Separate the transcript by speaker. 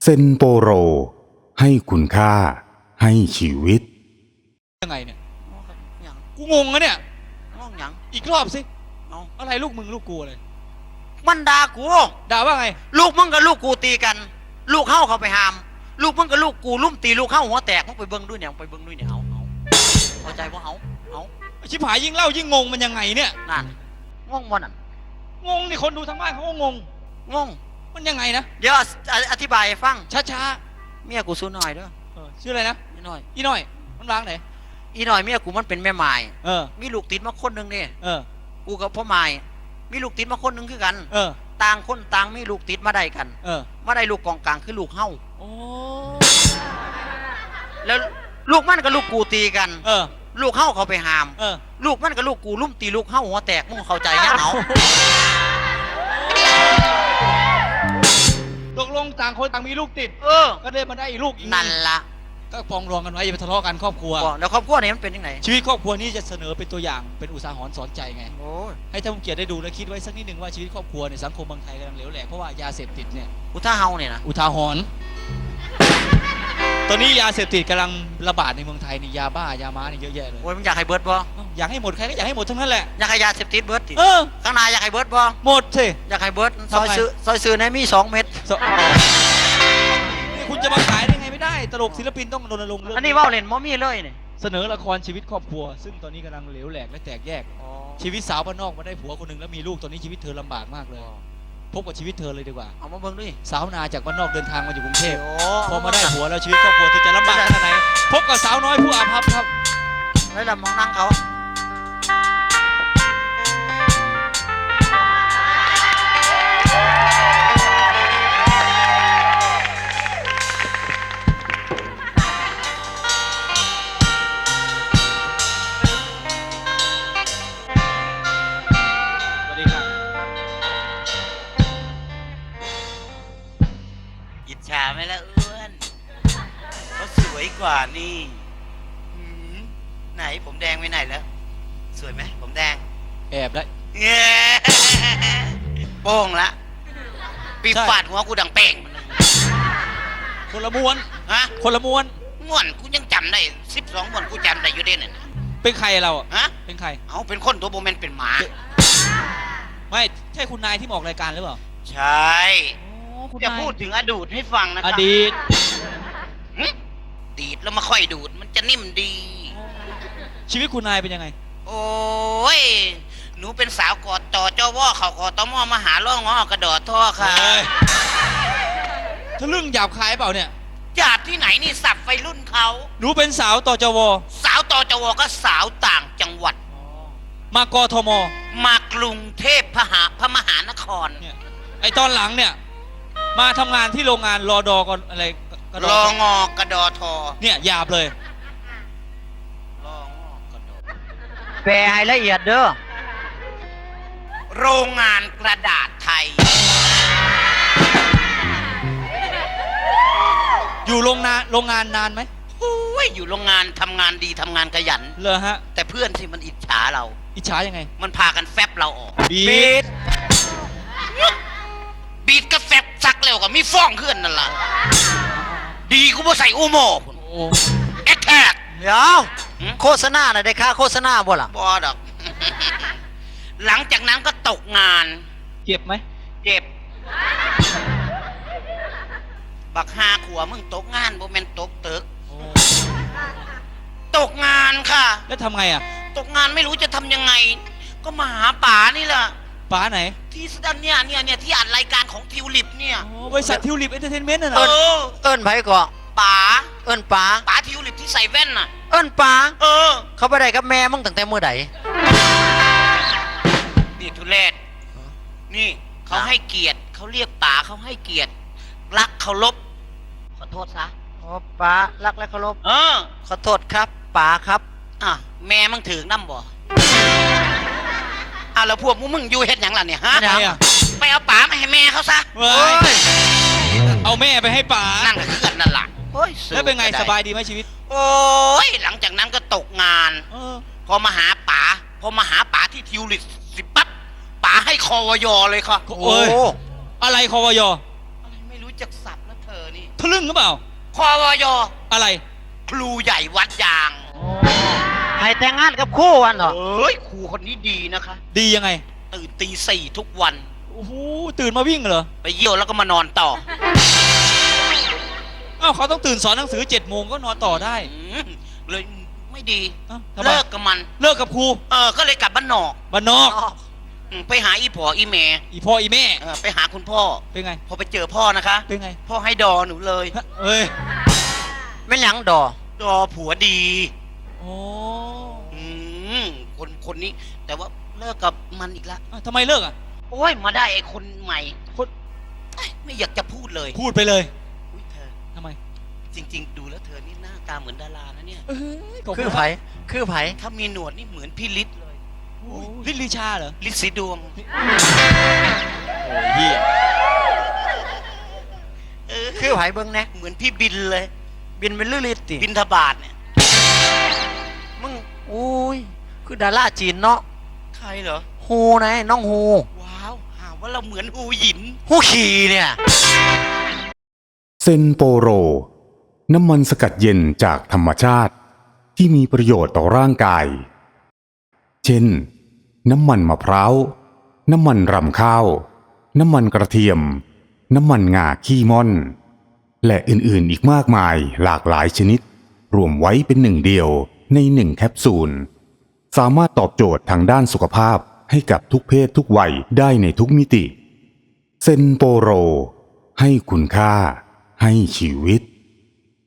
Speaker 1: เซนโปโรให้คุณค่าให้ชีวิต
Speaker 2: ยังไงเนี่ย
Speaker 3: หยัง
Speaker 2: กูงงอะเนี่ย
Speaker 3: งงหยัง
Speaker 2: อีกรอบสิ
Speaker 3: เอา
Speaker 2: อะไรลูกมึงลูกกูอะไร
Speaker 3: มันด่ากู
Speaker 2: ด่าว่าไง
Speaker 3: ลูกมึงกับลูกกูตีกัน ลูกเข้าเขาไปหาม ลูกมึงกับลูกกูลุ่มตีลูกเข้าหัวแตกมึงไปเบิ้งด้วยเนี่ยไปเบิ้งด้วยเนี่ยเอาเข้าใจว่าเอา
Speaker 2: ชิบหายยิ่งเล่ายิ่งงงมันยังไงเนี่ย
Speaker 3: นั่นงงมันนั่น
Speaker 2: งงนี่คนดูทางบ้านเขาก็งง
Speaker 3: งง
Speaker 2: มันยังไงนะ
Speaker 3: เดี๋ยวอธิบายให้ฟัง
Speaker 2: ช้า
Speaker 3: เมียกูสู้หน่อยเด้อ
Speaker 2: ๆชื่ออะไรนะ
Speaker 3: อีหน่อย
Speaker 2: อีน้อยมันวางไหน
Speaker 3: อีหน่อยเมียกูมันเป็นแม่ไม้
Speaker 2: เออ
Speaker 3: มีลูกติดมาคนหนึ่งนี่
Speaker 2: เออ
Speaker 3: กูกับพ่อไม้มีลูกติดมาคนหนึ่งคือกัน
Speaker 2: เออ
Speaker 3: ต่างคนต่างมีลูกติดมาได้กัน
Speaker 2: เออ
Speaker 3: มาได้ลูกกองกลางคือลูกเฮ้า
Speaker 2: โอ้
Speaker 3: แล้วลูกมันกับลูกกูตีกัน
Speaker 2: เออ
Speaker 3: ลูกเฮ้าเขาไปหาม
Speaker 2: เออ
Speaker 3: ลูกมันกับลูกกูลุ่มตีลูกเฮ้าหัวแตกมึงเข้าใจยังเอา
Speaker 2: ตกลงต่างคนต่างมีลูกติด
Speaker 3: เออ
Speaker 2: ก็เลยมาได้อีกลูกอีก
Speaker 3: นั่นละ
Speaker 2: ก็ปองรองกันไว้อย่าไปทะเลาะกันครอบครัว
Speaker 3: บอกแล้วครอบครัวนี้มันเป็นยังไง
Speaker 2: ชีวิตครอบครัวนี้จะเสนอเป็นตัวอย่างเป็นอุทาหรณ์สอนใจไง
Speaker 3: โอ้ย
Speaker 2: ให้ท่านผู้เกียรติได้ดูและคิดไว้สักนิดหนึ่งว่าชีวิตครอบครัวในสังคมบางไทยกำลังเหลวแหลกเพราะว่ายาเสพติดเนี่ย
Speaker 3: อุท่าเฮาเนี่ยนะ
Speaker 2: อุทาหรณ์ตอนนี้ยาเสพติดกำลังระบาดในเมืองไทยนี่ยาบ้ายาม้านี่เยอะแยะเลย
Speaker 3: โอ้ยมึงอยากให้เบิร์ดบ่
Speaker 2: อยากให้หมดใครก็อยากให้หมดทั้งนั้นแหละ
Speaker 3: อยากให้ยาเสพติดเบิร์ดติ
Speaker 2: เออ
Speaker 3: ข้างหน้าอยากให้เบิร์ดบ่
Speaker 2: หมดสิ
Speaker 3: อยากให้เบิร์ดซ
Speaker 2: ทำ
Speaker 3: อย
Speaker 2: ไง
Speaker 3: ซื้อในมี2 เม็ด
Speaker 2: นี่คุณจะมาขายได้ไงไม่ได้ตลกศิลปินต้องรณรงค์เรื่อง
Speaker 3: อันนี้ว่าเล่นมอมี่เลยเนี่ย
Speaker 2: เสนอละครชีวิตครอบครัว ซึ่งตอนนี้กำลังเหลวแหลกและแตกแยก ชีวิตสาวบ้านนอกมาได้ผัวคนหนึ่งแล้วมีลูกตอนนี้ชีวิตเธอลำบากมากเลยพบกับชีวิตเธอเลยดีกว่า
Speaker 3: เอามาเบิ่งดิ
Speaker 2: สาวนาจากบ้านนอกเดินทางมาอยู่กรุงเทพ
Speaker 3: โอ้
Speaker 2: พอมาได้ผัวแล้วชีวิตครอบครัวเธอจะลำบากขนาดไหนพบกับสาวน้อยผู้อาภัพครับ
Speaker 3: แล้วเรามองนั่งเขา
Speaker 2: สวัสดีครับ
Speaker 3: อิจฉาไหมล่ะอ้วนเขาสวยกว่านี่หืมไหนผมแดงไปไหนแล้ว สวยไหมผมแดง
Speaker 2: แอบได้
Speaker 3: เย้โป้งละปี
Speaker 2: ใช่
Speaker 3: ฟาดหัวกูดังเป่ง
Speaker 2: คนละม้วน
Speaker 3: ฮะ
Speaker 2: คนละม้วน
Speaker 3: ม่วนกูยังจำได้12ม่วนกูจำได้อยู่เด่นน่ะ
Speaker 2: เป็นใครเราอะ
Speaker 3: ฮะ
Speaker 2: เป็นใคร
Speaker 3: เอาเป็นคนตัวโบแมนเป็นหมา
Speaker 2: ไม่ใช่คุณนายที่มาออกรายการหรือเปล่า
Speaker 3: ใช่
Speaker 2: คุณ
Speaker 3: จะ
Speaker 2: นาย
Speaker 3: พูดถึงอดูดให้ฟังนะค
Speaker 2: อ
Speaker 3: รับ
Speaker 2: ดีต
Speaker 3: หึดีดแล้วมาค่อยดูดมันจะนิ่มดี
Speaker 2: ชีวิตคุณนายเป็นยังไง
Speaker 3: โอ้ยหนูเป็นสาวกอดต่อเจ้าวอเขากอดตอมอมาหาล่องงอกระดอท่อค่ะ
Speaker 2: เฮ้ยทะลึ่งหยาบคายเปล่าเนี่ย
Speaker 3: ญาติที่ไหนนี่สับไฟรุ่นเขา
Speaker 2: หนูเป็นสาวต่อจว
Speaker 3: สาวต่อจวก็สาวต่างจังหวัด
Speaker 2: มากทม
Speaker 3: มากรุงเทพพระมหานคร
Speaker 2: เนี่ยไอตอนหลังเนี่ย มาทำงานที่โรงงานรอดอก่อนอะไรกระด
Speaker 3: รองอกระดอทอ
Speaker 2: เนี่ยหยาบเลย
Speaker 3: รองอกระดอแปลให้ละเอียดเด้อโรงงานกระดาษไทย
Speaker 2: อยู่โรงงานนานไหม
Speaker 3: โอ้ยอยู่โรงงานทำงานดีทำงานขยัน
Speaker 2: เลยฮะ
Speaker 3: แต่เพื่อนที่มันอิจฉาเรา
Speaker 2: อิจฉายังไง
Speaker 3: มันพากันแฟบเราออก
Speaker 2: บีด
Speaker 3: บีดกับแฟบซักแล้วก็มีฟ้องขึ้นนั่นล่ะดีกูบ่ใส่อูโมพุ่น
Speaker 2: โอ้
Speaker 3: แอคแทก
Speaker 4: เดี๋ยวโฆษณาน่ะได้ค่าโฆษณาบ่ล่ะ
Speaker 3: บอดอก หลังจากนั้นก็ตกงาน
Speaker 2: เจ็บไหม
Speaker 3: เจ็บ บักฮาขัวมึงตกงานบ่แม่นตกตึก
Speaker 2: โอ้
Speaker 3: ตกงานค่ะ
Speaker 2: แล้วทำไงอ่ะ
Speaker 3: ตกงานไม่รู้จะทำยังไง ก็มาหาป๋านี่แหละ
Speaker 2: ป๋าไหน
Speaker 3: ที่สดันเนี่ยที่อัดรายการของทิวลิปเนี่ย
Speaker 2: โอ้บริษัททิวลิปเอนเตอร์เทนเมนต์น่ะเหร
Speaker 3: เอ
Speaker 2: อ
Speaker 3: อ
Speaker 4: เอิ้นไผก่อ
Speaker 3: ป๋า
Speaker 4: เอิ้นป๋า
Speaker 3: ป๋าทิวลิปที่ใส่แว่นน่ะ
Speaker 4: เอิ้นป๋า
Speaker 3: เออ
Speaker 4: เขาไปได้กับแม่มึงตั้งแต่มื้อใด
Speaker 3: นี่ทุเรศนี่เขาให้เกียรติเขาเรียกป๋าเขาให้เกียรติรักเคารพขอโทษซะ
Speaker 4: โอ้ป๋ารักและเคารพ
Speaker 3: เออ
Speaker 4: ขอโทษครับป๋าครับ
Speaker 3: อ่ะแม่มึงถือน้ำบ่อ่ะแล้วพวกมึงอยู่เฮ็ดหยังล่ะเนี่ยฮะ
Speaker 2: ทำไมอ่ะ
Speaker 3: ไปเอาป๋ามาให้แม่เขาซะ
Speaker 2: เว้ยเอาแม่ไปให้ป๋า
Speaker 3: นั่นก็เคลื่อนนั่นล่ะโอ้ย
Speaker 2: แล้วเป็นไง
Speaker 3: สู้ก็ด้
Speaker 2: สบายดีไหมชีวิต
Speaker 3: โอ้ยหลังจากนั้นก็ตกงาน
Speaker 2: เออ
Speaker 3: พอมาหาป๋าที่ทิวลิปสิปั๊บป๋าให้คอวยเลยค่ะ
Speaker 2: โอ้ยอะไรคอวย
Speaker 3: อะไรไม่รู้จักสับแล้วเธอนี่
Speaker 2: ทะลึ่งหรือเปล่า
Speaker 3: คอวย
Speaker 2: อะไร
Speaker 3: ครูใหญ่วัดยาง
Speaker 4: ให้แต่งงานกับคู่วันเหรอ
Speaker 3: เอ้ยครูคนนี้ดีนะคะ
Speaker 2: ดียังไง
Speaker 3: ตื่นตี 4ทุกวัน
Speaker 2: โอ้โหตื่นมาวิ่งเหรอ
Speaker 3: ไปเยี่ยวแล้วก็มานอนต่อ
Speaker 2: อ้าวเขาต้องตื่นสอนหนังสือ7 โมงก็นอนต่อได้
Speaker 3: เลยไม่ดี
Speaker 2: อ้าวทำไม
Speaker 3: เลิกกับมัน
Speaker 2: เลิกกับครู
Speaker 3: ก็เลยกลับบ้านนอก
Speaker 2: บ้านนอก
Speaker 3: ไปหาอีพ่ออีแม่
Speaker 2: อีพ่ออีแม่
Speaker 3: ไปหาคุณพ่อ
Speaker 2: เป็นไง
Speaker 3: พอไปเจอพ่อนะคะ
Speaker 2: เป็นไง
Speaker 3: พ่อให้ดอหนูเลย
Speaker 2: ฮะเอ้ย
Speaker 4: ไม่หยังดอ
Speaker 3: ดอผัวดี
Speaker 2: โอ้
Speaker 3: อืมคนนี้ แต่ว่าเลิกกับมันอีกแล้ว
Speaker 2: อ้าวทำไมเลิกอ่ะ
Speaker 3: โอ้ยมาได้ไอ้คนใหม่
Speaker 2: คน
Speaker 3: ไม่อยากจะพูดเลย
Speaker 2: พูดไปเลย
Speaker 3: อุ๊ยเธอ
Speaker 2: ทำไม
Speaker 3: จริง ๆ ดูแล้วเธอนี่หน้าตาเหมือนดารานะเนี่ย
Speaker 2: เอ้ยขบณ
Speaker 4: คือไผคือไผ
Speaker 3: ถ้ามีหนวดนี่เหมือนพี่ฤทธิ์เลย
Speaker 2: โอ้ยลิลลีชาเหรอ
Speaker 3: ฤทธิ์สีดวง
Speaker 2: โอ้ยเฮีย
Speaker 4: คือไผเบิ่งแน่
Speaker 3: เหมือนพี่บินเลย
Speaker 4: บินเป็นลือลิตติ
Speaker 3: บินทบาทเนี่ย
Speaker 4: มึงอุ้ยคือดาราจีนเนาะ
Speaker 3: ใครเหรอ
Speaker 4: ฮูนะน้องฮู
Speaker 3: ว้าวหาว่าเราเหมือนหูหยิน
Speaker 4: ฮูขี่เนี่ย
Speaker 1: เซนโปโร น้ำมันสกัดเย็นจากธรรมชาติที่มีประโยชน์ต่อร่างกาย เช่น น้ำมันมะพร้าว น้ำมันรำข้าว น้ำมันกระเทียม น้ำมันงาขี้ม่อน และอื่นๆอีกมากมายหลากหลายชนิด รวมไว้เป็นหนึ่งเดียวใน1 แคปซูล สามารถตอบโจทย์ทางด้านสุขภาพให้กับทุกเพศทุกวัยได้ในทุกมิติ เซนโปโร ให้คุณค่า ให้ชีวิต